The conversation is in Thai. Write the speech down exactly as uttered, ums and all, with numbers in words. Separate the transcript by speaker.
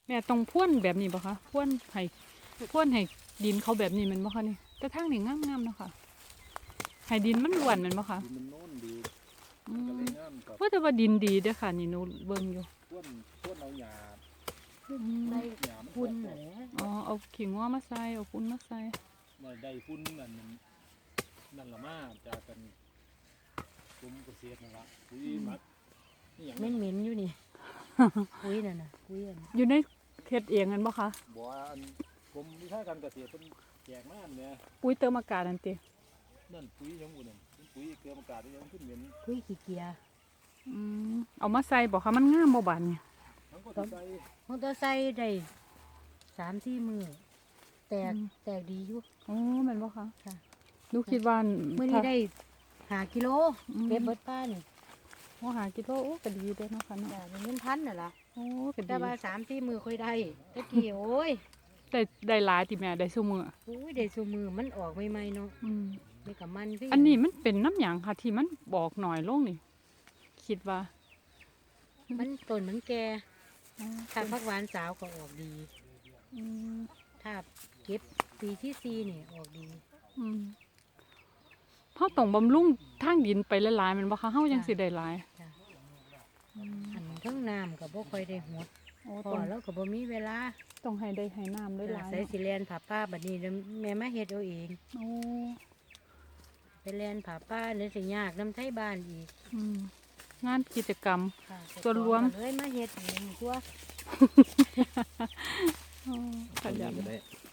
Speaker 1: แม่ต้องพ่วนแบบนี้บ่คะพ่วนให้พ่วนให้ดินเขาแบบนี้แมันบ่คะนี่แต่ทางนี่งามๆเนาะค่ะให้ดินมันล้วนแมันบ่คะ
Speaker 2: ดินมันโน่นดี
Speaker 1: อื
Speaker 2: ก็เล
Speaker 1: ม
Speaker 2: ยงามกับ
Speaker 1: ว่าแต่ว่าดินดีเด้อค่ะนี่หนูเบิ่งอยู่
Speaker 2: พ่นพ่นเอาหญ้า
Speaker 1: อืม
Speaker 3: ได้
Speaker 2: หญ้ามัน
Speaker 3: คุณ
Speaker 2: ต
Speaker 3: แห
Speaker 2: ก
Speaker 3: ละ
Speaker 1: อ๋อเอาขิงว่ามาใส่เอาปุ้นมาใส่
Speaker 2: มาได้ฝุ่นนั่นนั่นนั่นละมาจากกันกรมเกษตรนั่นละปุ๋ยหมักนี่หยัง
Speaker 3: เหม็นเหม็นๆอยู่นี่ คุยน่ะนะคุยอัน
Speaker 1: อยู่ในเฮ็ดเองกันบ่คะ
Speaker 2: บ่ว่าอันกรมวิชาการเกษตรเพิ่นแจกมาอันเนี่ย
Speaker 1: ปุ๋ยเติมอากาศนั่นติ
Speaker 2: นั่นปุ๋ยยังบ่นั่นปุ๋ยเกลืออากาศยังขึ้นเหม็น
Speaker 3: คุยขี้เกียจ
Speaker 1: อืมเอามาใส่บ่คะมันงามบ่บาดนี่
Speaker 2: ทั้งก็ใส่
Speaker 3: มอเตอร์ไซค์ได้สามสี่มือแตกแตกดีอยู่
Speaker 1: โอ้แม่นบ่คะ
Speaker 3: ค่ะ
Speaker 1: หนูคิดว่า
Speaker 3: เมื่อนี้ได้หากิโล
Speaker 1: อืม
Speaker 3: เก็บเบิดป้านี่
Speaker 1: โอ้หากิโลโอ้ก็ดีเด้อเนาะค่ะเนาะ
Speaker 3: จ้ะเป็นเงินพันน่ะล่ะ
Speaker 1: โอ้ก็ดี
Speaker 3: แต่ว่าสามสี่มือค่อยได้ตะกี้โอ้ย
Speaker 1: ได้ได้หลายติแม่ได้ซุมื้อ
Speaker 3: โอ้ยได้สูมือมันออกใหม่ๆเนาะ
Speaker 1: อืม
Speaker 3: ไม่กับมันพี่
Speaker 1: อันนี้มันเป็นน้ำหยังค่ะที่มันบอกหน่อยลงนี่คิดว่า
Speaker 3: มันต้นมันแก่
Speaker 1: อ๋อ
Speaker 3: ถ้าพักหวานสาวก็ออกดี
Speaker 1: อืม
Speaker 3: ถ้าเก็บปีที่สี่นี่ออกดี
Speaker 1: อืมเฮาต้องบำรุงทางดินไปหลายๆแมันบ่คะเฮาจังสิได้หลาย
Speaker 3: จ้ะ
Speaker 1: อืม
Speaker 3: อันทั้งน้ำก็บ่ค่อยได้หด
Speaker 1: โอ้
Speaker 3: พอ
Speaker 1: ต้อง
Speaker 3: แล้วก็บ่มีเวลา
Speaker 1: ต้องให้ได้ให้น้ำหลายๆ
Speaker 3: ใส่
Speaker 1: เนาะ
Speaker 3: สิแลนผ่าป้าบัดนี้เดี๋ยวแม่มาเฮ็ดเอาเอง
Speaker 1: โอ้
Speaker 3: ไปแลนผ่าป้าเดี๋ยวสิยากน้ำไทบ้านอีก
Speaker 1: อืมงานกิจกรรม
Speaker 3: ค่ะ
Speaker 1: ส่วนรวม
Speaker 3: ก็เลยมาเฮ็ดเองตัว
Speaker 1: อ๋อขยัน
Speaker 2: ก็ได้